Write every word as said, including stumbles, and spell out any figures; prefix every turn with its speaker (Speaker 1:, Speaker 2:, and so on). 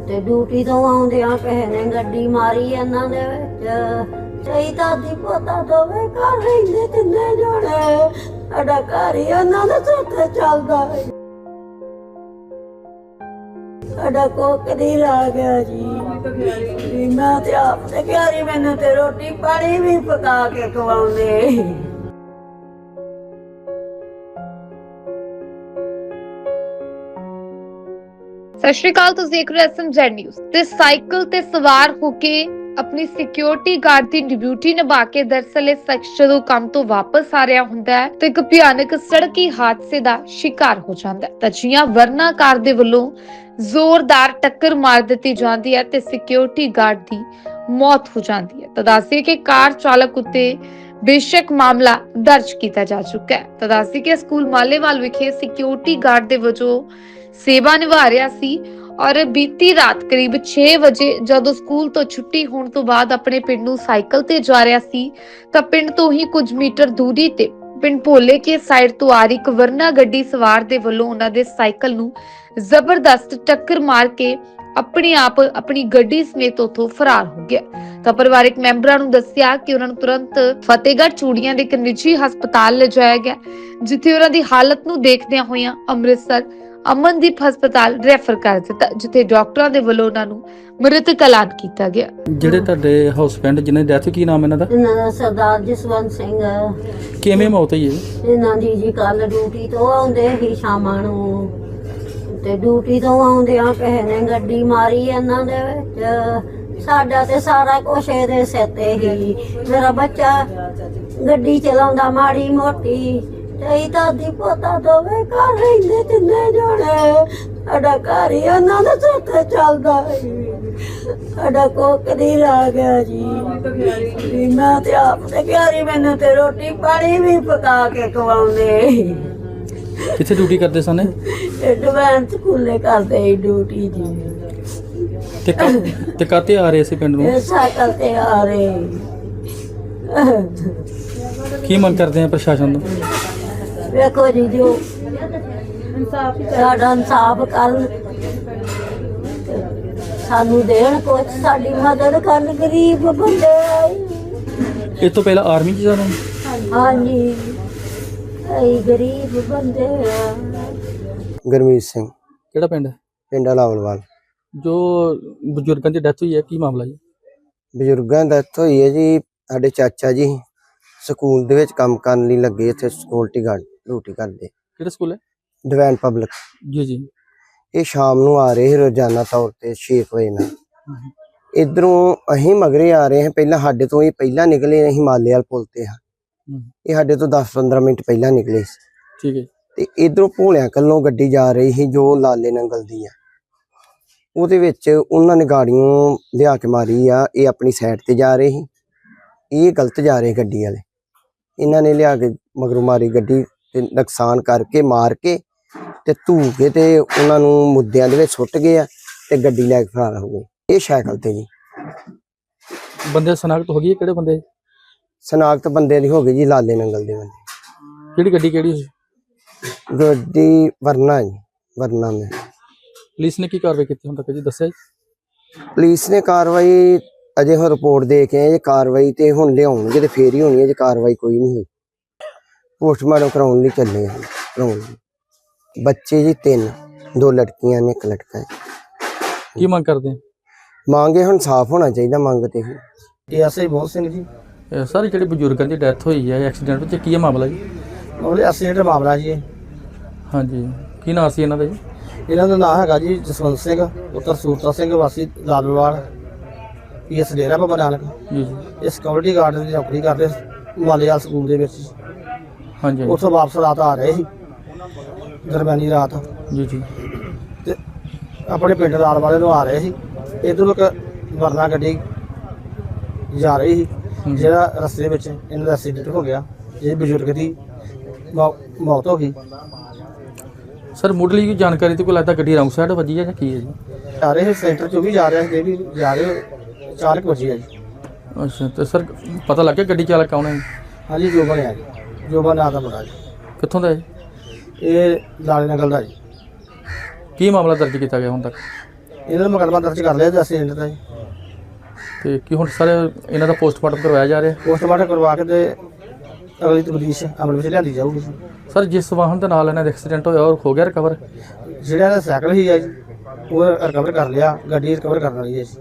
Speaker 1: ਤੇ ਡਿਊਟੀ ਤੋਂ ਆਉਂਦਿਆਂ ਕਿਸੇ ਨੇ ਗੱਡੀ ਮਾਰੀ ਇਹਨਾਂ ਦੇ ਵਿੱਚ। ਸਹੀ ਦਾਦੀ ਪੋਤਾ ਦੋਵੇਂ ਘਰ ਰਹਿੰਦੇ ਤਿੰਨੇ ਜਣੇ। ਸਾਡਾ ਘਰ ਹੀ ਇਹਨਾਂ ਦੇ ਸਿਰ ਤੇ ਚੱਲਦਾ ਹੈ। ਸਾਡਾ ਕੋਕ ਦੀ ਲਾ ਗਿਆ ਜੀ। ਵੀ ਮੈਂ ਤੇ ਆਪ ਤੇ ਘਰੀ ਮੈਨੂੰ ਤੇ ਰੋਟੀ ਪਾਣੀ ਵੀ ਪਕਾ ਕੇ ਖਵਾਉਂਦੇ।
Speaker 2: ਸਤਿ ਸ਼੍ਰੀ ਅਕਾਲ, ਤੁਸੀਂ ਦੇਖ ਰਹੇ ਹੋ ਐਸ ਐਮ ਜ਼ੈਡ ਨਿਊਜ਼। ਤੇ ਸਾਈਕਲ ਤੇ ਸਵਾਰ ਹੋ ਕੇ ਆਪਣੀ ਸਿਕਿਉਰਿਟੀ ਗਾਰਡ ਦੀ ਡਿਊਟੀ ਨਿਭਾ ਕੇ ਦਰਅਸਲ ਇਹ ਸ਼ਖਸ ਜਦੋਂ ਕੰਮ ਤੋਂ ਵਾਪਸ ਆ ਰਿਹਾ ਹੁੰਦਾ ਹੈ ਤੇ ਇੱਕ ਭਿਆਨਕ ਸੜਕੀ ਹਾਦਸੇ ਦਾ ਸ਼ਿਕਾਰ ਹੋ ਜਾਂਦਾ ਹੈ। ਤਾਂ ਜੀਆਂ ਵਰਨਾ ਕਾਰ ਦੇ ਵੱਲੋਂ ਜ਼ੋਰਦਾਰ ਟੱਕਰ ਮਾਰ ਦਿੱਤੀ ਜਾਂਦੀ ਹੈ ਤੇ ਸਿਕਿਉਰਿਟੀ ਗਾਰਡ ਦੀ ਮੌਤ ਹੋ ਜਾਂਦੀ ਹੈ। ਤਾਂ ਦੱਸਦੇ ਕਿ ਕਾਰ ਚਾਲਕ ਉੱਤੇ ਬੇਸ਼ੱਕ ਮਾਮਲਾ ਦਰਜ ਕੀਤਾ ਜਾ ਚੁੱਕਾ ਹੈ। ਤਾਂ ਦੱਸਦੇ ਕਿ ਸਕੂਲ ਮਾਲੇਵਾਲ ਵਿਖੇ ਸਿਕਿਉਰਿਟੀ ਗਾਰਡ ਦੇ ਵਜੋਂ ਸੇਵਾ ਨਿਭਾ ਰਿਹਾ ਸੀ ਔਰ ਬੀਤੀ ਰਾਤ ਕਰੀਬ ਛੇ ਵਜੇ ਜਦੋਂ ਸਕੂਲ ਤੋਂ ਛੁੱਟੀ ਹੋਣ ਤੋਂ ਬਾਅਦ ਆਪਣੇ ਪਿੰਡ ਨੂੰ ਸਾਈਕਲ ਤੇ ਜਾ ਰਿਹਾ ਸੀ ਤਾਂ ਪਿੰਡ ਤੋਂ ਹੀ ਕੁਝ ਮੀਟਰ ਦੂਰੀ ਤੇ ਪਿੰਡ ਭੋਲੇ ਕੇ ਸਾਈਡ ਤੋਂ ਆ ਰਹੀ ਇੱਕ ਵਰਨਾ ਗੱਡੀ ਸਵਾਰ ਦੇ ਵੱਲੋਂ ਉਹਨਾਂ ਦੇ ਸਾਈਕਲ ਨੂੰ ਜ਼ਬਰਦਸਤ ਟੱਕਰ ਮਾਰ ਕੇ ਆਪਣੇ ਆਪ ਆਪਣੀ ਗੱਡੀ ਸਮੇਤ ਉੱਥੋਂ ਫਰਾਰ ਹੋ ਗਿਆ। ਤਾਂ ਪਰਿਵਾਰਕ ਮੈਂਬਰਾਂ ਨੂੰ ਦੱਸਿਆ ਕਿ ਉਹਨਾਂ ਨੂੰ ਤੁਰੰਤ ਫਤਿਹਗੜ੍ਹ ਚੂੜੀਆਂ ਦੇ ਇੱਕ ਨਿੱਜੀ ਹਸਪਤਾਲ ਲਿਜਾਇਆ ਗਿਆ, ਜਿੱਥੇ ਉਹਨਾਂ ਦੀ ਹਾਲਤ ਨੂੰ ਦੇਖਦਿਆਂ ਹੋਇਆਂ ਅੰਮ੍ਰਿਤਸਰ ਅਮਨਦੀਪ ਹਸਪਤਾਲ ਰੈਫਰ ਕਰ ਦਿੱਤਾ, ਜਿੱਥੇ ਡਾਕਟਰਾਂ ਦੇ ਵੱਲੋਂ ਉਹਨਾਂ ਨੂੰ ਮ੍ਰਿਤਕ ਐਲਾਨ ਕੀਤਾ ਗਿਆ।
Speaker 3: ਜਿਹੜੇ ਤੁਹਾਡੇ ਹਸਬੈਂਡ ਜਿਨ੍ਹਾਂ ਦੀ ਡੈਥ, ਕੀ ਨਾਮ ਇਹਨਾਂ ਦਾ?
Speaker 1: ਇਹਨਾਂ ਦਾ ਸਰਦਾਰ ਜਸਵੰਤ ਸਿੰਘ।
Speaker 3: ਕਿਵੇਂ ਮੌਤ ਹੋਈ ਹੈ
Speaker 1: ਇਹਨਾਂ ਦੀ ਜੀ ਕੱਲ ਡਿਊਟੀ ਤੋਂ ਆਉਂਦੇ ਹੀ ਸ਼ਾਮਾਂ ਨੂੰ ਤੇ ਡਿਊਟੀ ਤੋਂ ਆਉਂਦਿਆਂ ਕਿਸੇ ਨੇ ਗੱਡੀ ਮਾਰੀ ਇਹਨਾਂ ਦੇ ਵਿੱਚ। ਸਾਡਾ ਤੇ ਸਾਰਾ ਕੁਛ ਇਹਦੇ ਸਿਰ ਤੇ ਹੀ। ਮੇਰਾ ਬੱਚਾ ਗੱਡੀ ਚਲਾਉਂਦਾ ਮਾੜੀ ਮੋਟੀ। ਤੇ ਦਾਦੀ ਪੋਤਾ ਦੋਵੇਂ ਘਰ ਰਹਿੰਦੇ ਤਿੰਨੇ ਜਣੇ। ਸਾਡਾ ਘਰ ਹੀ ਉਹਨਾਂ ਦੇ ਸਿਰ ਤੇ ਚੱਲਦਾ ਹੈ। ਸਾਡਾ ਕੋਕ ਦੀ ਲਾ ਗਿਆ ਜੀ। ਵੀ ਮੈਂ ਤੇ ਆਪ ਤੇ ਘਰੀ ਮੈਨੂੰ ਤੇ ਰੋਟੀ ਪਾਣੀ ਵੀ ਪਕਾ ਕੇ ਖਵਾਉਂਦੇ।
Speaker 3: ਕਿੱਥੇ ਡਿਊਟੀ ਕਰਦੇ ਸਨ?
Speaker 1: ਇਹ ਡਿਵੈਂਸ ਸਕੂਲੇ ਕਰਦੇ ਸੀ ਡਿਊਟੀ ਜੀ।
Speaker 3: ਤੇ ਕ- ਤੇ ਕਾਤੇ ਆ ਰਹੇ ਸੀ ਪਿੰਡ ਨੂੰ?
Speaker 1: ਇਹ ਸਾਈਕਲ ਤੇ ਆ ਰਹੇ।
Speaker 3: ਕੀ ਮੰਗ ਕਰਦੇ ਆ ਪ੍ਰਸ਼ਾਸਨ ਤੋਂ?
Speaker 1: ਵੇਖੋ ਜੀ, ਜੋ ਸਾਡਾ ਇਨਸਾਫ ਕਰਨ, ਸਾਨੂੰ ਦੇਣ ਕੁਛ, ਸਾਡੀ ਮਦਦ ਕਰਨ। ਗਰੀਬ ਬੰਦੇ ਆਏ।
Speaker 3: ਇਸ ਤੋਂ ਪਹਿਲਾਂ ਆਰਮੀ ਚ ਜਾਣਾ?
Speaker 1: ਹਾਂਜੀ, ਅਸੀਂ ਗਰੀਬ ਬੰਦੇ ਆ।
Speaker 4: ਗੁਰਮੀਤ ਸਿੰਘ,
Speaker 3: ਕਿਹੜਾ ਪਿੰਡ?
Speaker 4: ਪਿੰਡ ਲਾਵਲਵਾਲ।
Speaker 3: ਜੋ ਬਜ਼ੁਰਗਾਂ ਦੀ ਡੈਥ ਹੋਈ ਹੈ, ਕੀ ਮਾਮਲਾ ਜੀ?
Speaker 4: ਬਜ਼ੁਰਗਾਂ ਦੀ ਡੈਥ ਹੋਈ ਹੈ ਜੀ। ਸਾਡੇ ਚਾਚਾ ਜੀ ਸਕੂਲ ਦੇ ਵਿੱਚ ਕੰਮ ਕਰਨ ਲਈ ਲੱਗੇ, ਇੱਥੇ ਸਿਕਿਉਰਿਟੀ ਗਾਰਡ ਡਿਊਟੀ ਕਰਦੇ।
Speaker 3: ਕਿਹੜਾ ਸਕੂਲ ਹੈ?
Speaker 4: Divine public.
Speaker 3: ਜੀ ਜੀ।
Speaker 4: ਇਹ ਸ਼ਾਮ ਨੂੰ ਆ ਰਹੇ ਸੀ ਰੋਜ਼ਾਨਾ ਤੌਰ ਤੇ ਛੇ ਵਜੇ ਨਾਲ। ਇਧਰੋਂ ਅਸੀਂ ਮਗਰੇ ਆ ਰਹੇ ਹਾਂ। ਪਹਿਲਾਂ ਸਾਡੇ ਤੋਂ ਇਹ ਪਹਿਲਾਂ ਨਿਕਲੇ, ਅਸੀਂ ਮਾਲੇ ਵਾਲ ਪੁਲ ਤੇ ਹਾਂ। ਇਹ ਸਾਡੇ ਤੋਂ ਦਸ ਪੰਦਰਾਂ ਮਿੰਟ ਪਹਿਲਾਂ ਨਿਕਲੇ ਸੀ।
Speaker 3: ਠੀਕ ਹੈ। ਤੇ
Speaker 4: ਇਧਰੋਂ ਭੋਲਿਆਂ ਕੱਲੋਂ ਗੱਡੀ ਜਾ ਰਹੀ ਸੀ ਜੋ ਲਾਲੇ ਨੰਗਲ ਦੀ ਆ। ਉਹਦੇ ਵਿੱਚ ਉਹਨਾਂ ਨੇ ਗਾੜੀਆਂ ਲਿਆ ਕੇ ਮਾਰੀ ਆ। ਇਹ ਆਪਣੀ ਸਾਈਡ ਤੇ ਜਾ ਰਹੇ ਸੀ, ਇਹ ਗਲਤ ਜਾ ਰਹੇ ਗੱਡੀ ਵਾਲੇ। ਇਹਨਾਂ ਨੇ ਲਿਆ ਕੇ ਮਗਰੋਂ ਮਾਰੀ ਗੱਡੀ ਤੇ ਨੁਕਸਾਨ ਕਰਕੇ ਮਾਰ ਕੇ ਤੇ ਧੂ ਕੇ ਤੇ ਉਹਨਾਂ ਨੂੰ ਮੁੱਦਿਆਂ ਦੇ ਵਿੱਚ ਸੁੱਟ ਗਏ ਆ ਤੇ ਗੱਡੀ ਲੈ ਕੇ ਫਰਾਰ ਹੋ ਗਏ। ਇਹ ਸਾਈਕਲ ਤੇ ਜੀ।
Speaker 3: ਬੰਦੇ ਸਨਾਖਤ ਹੋ ਗਈ ਹੈ? ਕਿਹੜੇ ਬੰਦੇ
Speaker 4: ਸਨਾਖਤ ਬੰਦੇ ਦੀ ਹੋ ਗਈ ਜੀ, ਲਾਲੇ ਨੰਗਲ ਦੇ ਬੰਦੇ।
Speaker 3: ਕਿਹੜੀ ਗੱਡੀ ਕਿਹੜੀ ਸੀ?
Speaker 4: ਗੱਡੀ ਵਰਨਾ ਜੀ, ਵਰਨਾ ਮੈਂ।
Speaker 3: ਪੁਲਿਸ ਨੇ ਕੀ ਕਾਰਵਾਈ ਕੀਤੀ ਹੁਣ ਤੱਕ ਜੀ, ਦੱਸਿਆ ਜੀ?
Speaker 4: ਪੁਲਿਸ ਨੇ ਕਾਰਵਾਈ ਅਜੇ ਹੁਣ ਰਿਪੋਰਟ ਦੇ ਕੇ ਆਏ। ਕਾਰਵਾਈ ਤੇ ਹੁਣ ਲਿਆਉਣਗੇ ਤੇ ਫੇਰ ਹੀ ਹੋਣੀ ਹੈ। ਜੇ ਕਾਰਵਾਈ ਕੋਈ ਨਹੀਂ ਹੋਈ, ਪੋਸਟਮਾਰਟਮ ਕਰਾਉਣ ਲਈ ਚੱਲੇ ਆ। ਕਰਾਉਣ ਲਈ ਬੱਚੇ ਜੀ ਤਿੰਨ, ਦੋ ਲੜਕੀਆਂ ਨੇ, ਇੱਕ ਲੜਕਾ ਹੈ।
Speaker 3: ਕੀ ਮੰਗ ਕਰਦੇ ਆ?
Speaker 4: ਮੰਗੇ ਹੁਣ ਸਾਫ਼ ਹੋਣਾ ਚਾਹੀਦਾ। ਮੰਗ ਤੇ
Speaker 5: ਇਹ ਐਸਆਈ ਬਹੁਤ ਸਿੰਘ ਜੀ।
Speaker 3: ਇਹ ਸਾਰੇ ਜਿਹੜੇ ਬਜ਼ੁਰਗਾਂ ਦੀ ਡੈਥ ਹੋਈ ਹੈ ਐਕਸੀਡੈਂਟ ਵਿੱਚ, ਕੀ ਹੈ ਮਾਮਲਾ ਜੀ?
Speaker 5: ਉਹਦੇ ਐਕਸੀਡੈਂਟ ਮਾਮਲਾ ਜੀ ਇਹ।
Speaker 3: ਹਾਂਜੀ, ਕੀ ਨਾਂ ਸੀ ਇਹਨਾਂ ਦਾ ਜੀ?
Speaker 5: ਇਹਨਾਂ ਦਾ ਨਾਮ ਹੈਗਾ ਜੀ ਜਸਵੰਤ ਸਿੰਘ ਪੁੱਤਰ ਸੂਰਤਾ ਸਿੰਘ ਵਾਸੀ ਲਾਲਵਾਲ, ਪੀ ਐਸ ਡੇਰਾ ਬਾਬਾ ਨਾਨਕ।
Speaker 3: ਜੀ ਜੀ।
Speaker 5: ਇਹ ਸਿਕਿਉਰਿਟੀ ਗਾਰਡ ਦੀ ਨੌਕਰੀ ਕਰਦੇ ਮਾਲੇਵਾਲ ਸਕੂਲ ਦੇ ਵਿੱਚ।
Speaker 3: ਹਾਂਜੀ
Speaker 5: ਉੱਥੋਂ ਵਾਪਸ ਰਾਤ ਆ ਰਹੇ ਸੀ, ਦਰਮਿਆਨੀ ਰਾਤ।
Speaker 3: ਜੀ ਜੀ।
Speaker 5: ਤੇ ਆਪਣੇ ਪਿੰਡ ਲਾਲ ਵਾਲੇ ਨੂੰ ਆ ਰਹੇ ਸੀ। ਇੱਧਰੋਂ ਇੱਕ ਵਰਨਾ ਗੱਡੀ ਜਾ ਰਹੀ ਸੀ, ਜਿਹੜਾ ਰਸਤੇ ਵਿੱਚ ਇਹਨਾਂ ਦਾ ਐਕਸੀਡੈਂਟ ਹੋ ਗਿਆ। ਇਹ ਬਜ਼ੁਰਗ ਦੀ ਮੌ- ਮੌਤ ਹੋ ਗਈ।
Speaker 3: ਸਰ ਮੁੱਢਲੀ ਕੋਈ ਜਾਣਕਾਰੀ ਤੇ ਕੋਈ ਲੱਗਦਾ ਗੱਡੀ ਰੌਂਗ ਸਾਈਡ ਵੱਜੀ ਹੈ ਜਾਂ ਕੀ ਹੈ ਜੀ?
Speaker 5: ਜਾ ਰਹੇ ਸੈਂਟਰ ਚੋਂ ਵੀ ਜਾ ਰਿਹਾ ਸੀ, ਇਹ ਵੀ ਜਾ ਰਹੇ ਚਾਰ ਕੁ ਵਜੇ ਆ ਜੀ।
Speaker 3: ਅੱਛਾ, ਤੇ ਸਰ ਪਤਾ ਲੱਗ ਗਿਆ ਗੱਡੀ ਚਾਲਕ ਕੌਣ ਹੈ?
Speaker 5: ਹਾਂਜੀ, ਜੋਬਨ ਹੈ ਜੀ, ਜੋਬਨ ਨਾਂ ਦਾ ਮੁੰਡਾ ਜੀ।
Speaker 3: ਕਿੱਥੋਂ ਦਾ ਹੈ?
Speaker 5: ਇਹ ਲਾਲੇ ਨਗਲ ਦਾ ਜੀ।
Speaker 3: ਕੀ ਮਾਮਲਾ ਦਰਜ ਕੀਤਾ ਗਿਆ ਹੁਣ ਤੱਕ?
Speaker 5: ਇਹਨਾਂ ਦਾ ਮੁਕੱਦਮਾ ਦਰਜ ਕਰ ਲਿਆ ਜੀ ਐਕਸੀਡੈਂਟ ਦਾ ਜੀ।
Speaker 3: ਤੇ ਕੀ ਹੁਣ ਸਰ ਇਹਨਾਂ ਦਾ ਪੋਸਟਮਾਰਟਮ ਕਰਵਾਇਆ ਜਾ ਰਿਹਾ?
Speaker 5: ਪੋਸਟਮਾਰਟਮ ਕਰਵਾ ਕੇ ਤੇ ਅਗਲੀ ਤਬਦੀਸ਼ ਅਮਲ ਵਿੱਚ ਲਿਆਂਦੀ ਜਾਊਗੀ ਜੀ।
Speaker 3: ਸਰ ਜਿਸ ਵਾਹਨ ਦੇ ਨਾਲ ਇਹਨਾਂ ਦਾ ਐਕਸੀਡੈਂਟ ਹੋਇਆ ਉਹ ਹੋ ਗਿਆ ਰਿਕਵਰ?
Speaker 5: ਜਿਹੜਾ ਇਹਦਾ ਸਾਈਕਲ ਹੀ ਹੈ ਜੀ ਉਹ ਰਿਕਵਰ ਕਰ ਲਿਆ, ਗੱਡੀ ਰਿਕਵਰ ਕਰਨ ਵਾਲੀ ਹੈ ਜੀ।